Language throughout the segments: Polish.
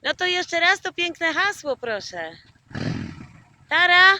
No to jeszcze raz to piękne hasło, proszę. Tara?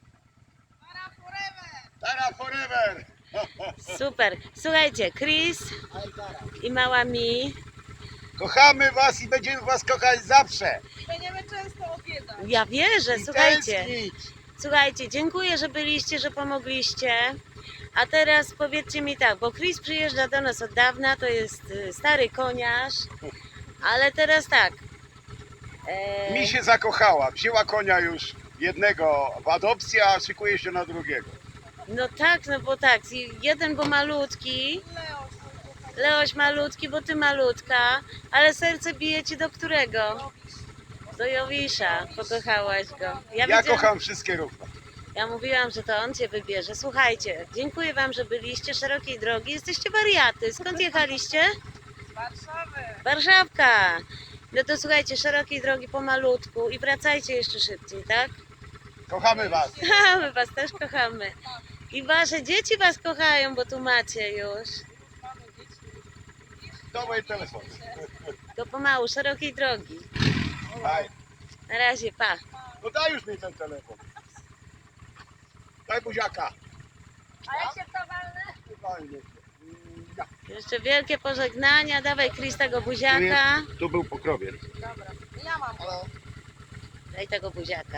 Tara forever! Super. Słuchajcie, Chris i mała Mi. Kochamy was i będziemy was kochać zawsze. Będziemy często odwiedzać. Ja wierzę, I słuchajcie. tęsknić. Słuchajcie, dziękuję, że byliście, że pomogliście. A teraz powiedzcie mi tak, bo Chris przyjeżdża do nas od dawna, to jest stary koniarz, ale teraz tak. Mi się zakochała. Wzięła konia już jednego w adopcji, a szykuje się na drugiego. No tak, no bo tak, jeden bo malutki, Leoś malutki, bo ty malutka, ale serce bije ci do którego? Do Jowisza, pokochałaś go. Ja kocham wszystkie równo. Ja mówiłam, że to on cię wybierze. Słuchajcie, dziękuję wam, że byliście, szerokiej drogi, jesteście wariaty. Skąd jechaliście? Z Warszawy. Warszawka. No to słuchajcie, szerokiej drogi pomalutku i wracajcie jeszcze szybciej, tak? Kochamy was. My was też kochamy. I wasze dzieci was kochają, bo tu macie już. Mamy dzieci. To moje telefony. To pomału, szerokiej drogi. Daj. Na razie, pa. No daj już mi ten telefon. Daj buziaka. A jak się to walne? Fajnie. Ja. Jeszcze wielkie pożegnania. Dawaj Chris tego buziaka. Tu był pokrowiec. Dobra. Ja mam. Daj tego buziaka.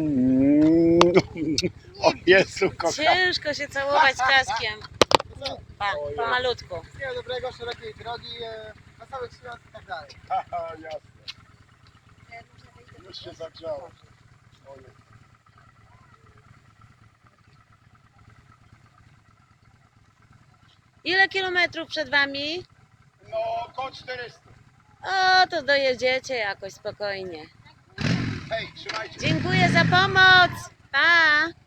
O Jezu, kocham. Ciężko się całować z kaskiem. Pa, pomalutku. Wszystkiego dobrego, szerokiej drogi, wesołych świąt i tak dalej. Haha, jasne. Już się zagrzało. Ojej. Ile kilometrów przed wami? No, około 400. O, to dojedziecie jakoś spokojnie. Hej, trzymajcie. Dziękuję za pomoc. Pa.